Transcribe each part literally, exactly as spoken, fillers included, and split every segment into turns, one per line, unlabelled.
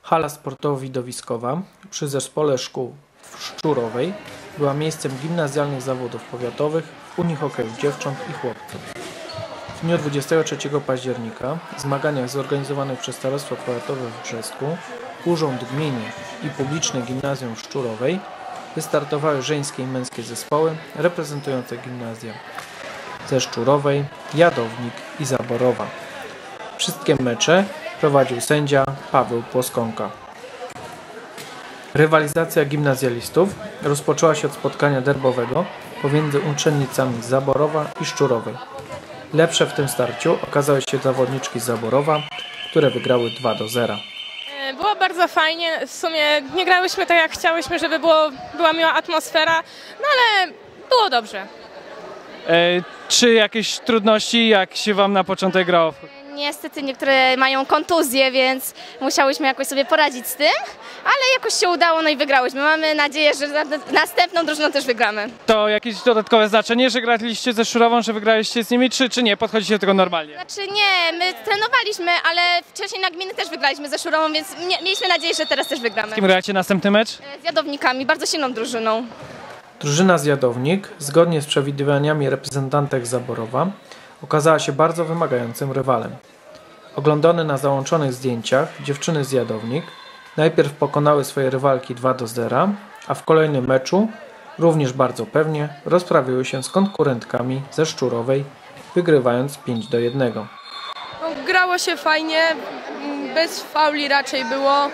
Hala sportowo-widowiskowa przy Zespole Szkół w Szczurowej była miejscem gimnazjalnych zawodów powiatowych w Unii Hokeju Dziewcząt i Chłopców. W dniu dwudziestego trzeciego października w zmaganiach zorganizowanych przez Starostwo Powiatowe w Brzesku, Urząd Gminy i Publiczne Gimnazjum w Szczurowej wystartowały żeńskie i męskie zespoły reprezentujące gimnazja ze Szczurowej, Jadownik i Zaborowa. Wszystkie mecze prowadził sędzia Paweł Płoskonka. Rywalizacja gimnazjalistów rozpoczęła się od spotkania derbowego pomiędzy uczennicami z Zaborowa i Szczurowej. Lepsze w tym starciu okazały się zawodniczki z Zaborowa, które wygrały dwa do zera.
Było bardzo fajnie, w sumie nie grałyśmy tak jak chciałyśmy, żeby było, była miła atmosfera, no ale było dobrze.
E, czy jakieś trudności, jak się wam na początek grało?
Niestety niektóre mają kontuzje, więc musiałyśmy jakoś sobie poradzić z tym, ale jakoś się udało, no i wygrałyśmy. Mamy nadzieję, że następną drużyną też wygramy.
To jakieś dodatkowe znaczenie, że graliście ze Szczurową, że wygraliście z nimi, czy, czy nie? Podchodzicie do tego normalnie?
Znaczy nie, my trenowaliśmy, ale wcześniej na gminy też wygraliśmy ze Szczurową, więc mieliśmy nadzieję, że teraz też wygramy.
Z kim gracie następny mecz?
Z Jadownikami, bardzo silną drużyną.
Drużyna z Jadownik, zgodnie z przewidywaniami reprezentantek Zaborowa, okazała się bardzo wymagającym rywalem. Oglądane na załączonych zdjęciach dziewczyny z Jadownik najpierw pokonały swoje rywalki dwa do zera, a w kolejnym meczu, również bardzo pewnie, rozprawiły się z konkurentkami ze Szczurowej, wygrywając pięć do jednego.
No, grało się fajnie, bez fauli raczej było.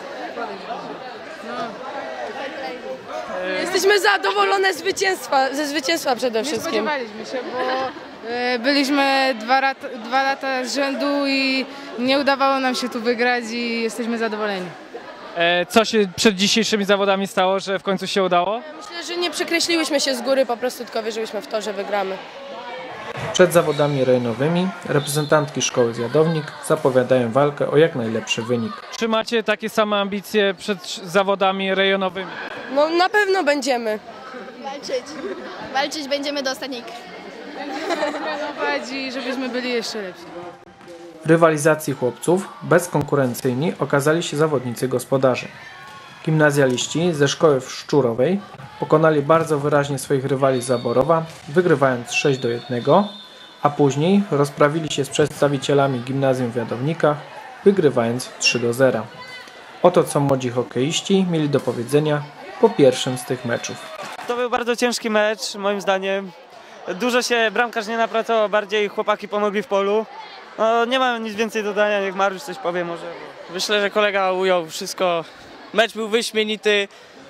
Jesteśmy zadowolone z zwycięstwa, ze zwycięstwa przede wszystkim.
Nie spodziewaliśmy się, bo byliśmy dwa, lat, dwa lata z rzędu i nie udawało nam się tu wygrać i jesteśmy zadowoleni.
E, co się przed dzisiejszymi zawodami stało, że w końcu się udało?
Myślę, że nie przekreśliłyśmy się z góry, po prostu tylko wierzyłyśmy w to, że wygramy.
Przed zawodami rejonowymi reprezentantki szkoły z Jadownik zapowiadają walkę o jak najlepszy wynik.
Czy macie takie same ambicje przed zawodami rejonowymi?
No na pewno będziemy.
Walczyć. Walczyć będziemy do ostatniej krwi.
Trenować i żebyśmy byli jeszcze lepsi.
W rywalizacji chłopców bezkonkurencyjni okazali się zawodnicy gospodarzy. Gimnazjaliści ze szkoły w Szczurowej pokonali bardzo wyraźnie swoich rywali z Zaborowa, wygrywając sześć do jednego, a później rozprawili się z przedstawicielami gimnazjum w Jadownikach, wygrywając trzy do zera. Oto co młodzi hokeiści mieli do powiedzenia po pierwszym z tych meczów.
To był bardzo ciężki mecz, moim zdaniem. Dużo się bramkarz nie napracował, bardziej chłopaki pomogli w polu. No, nie mam nic więcej dodania, niech Mariusz coś powie może.
Myślę, że kolega ujął wszystko. Mecz był wyśmienity.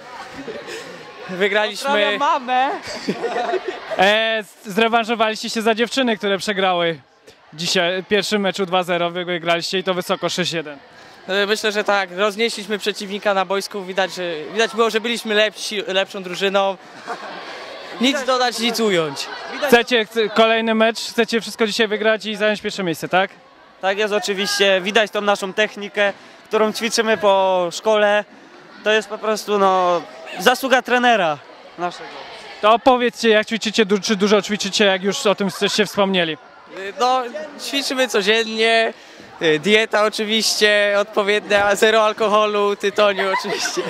Wygraliśmy.
mamę!
E, zrewanżowaliście się za dziewczyny, które przegrały dzisiaj w pierwszym meczu dwa zero, wygraliście i to wysoko sześć jeden.
Myślę, że tak. Roznieśliśmy przeciwnika na boisku. Widać, że, widać było, że byliśmy lepsi, lepszą drużyną. Nic dodać, nic ująć.
Chcecie kolejny mecz, chcecie wszystko dzisiaj wygrać i zająć pierwsze miejsce, tak?
Tak jest oczywiście. Widać tą naszą technikę, którą ćwiczymy po szkole. To jest po prostu no, zasługa trenera naszego.
To opowiedzcie, jak ćwiczycie, czy dużo ćwiczycie, jak już o tym się wspomnieli.
No, ćwiczymy codziennie. Dieta oczywiście odpowiednia, zero alkoholu, tytoniu oczywiście.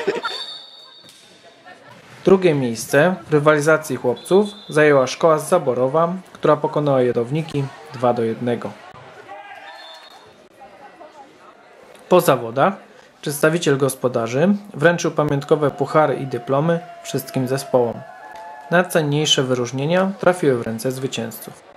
Drugie miejsce w rywalizacji chłopców zajęła szkoła z Zaborowa, która pokonała Jadowniki dwa do jednego. Po zawodach przedstawiciel gospodarzy wręczył pamiątkowe puchary i dyplomy wszystkim zespołom. Najcenniejsze wyróżnienia trafiły w ręce zwycięzców.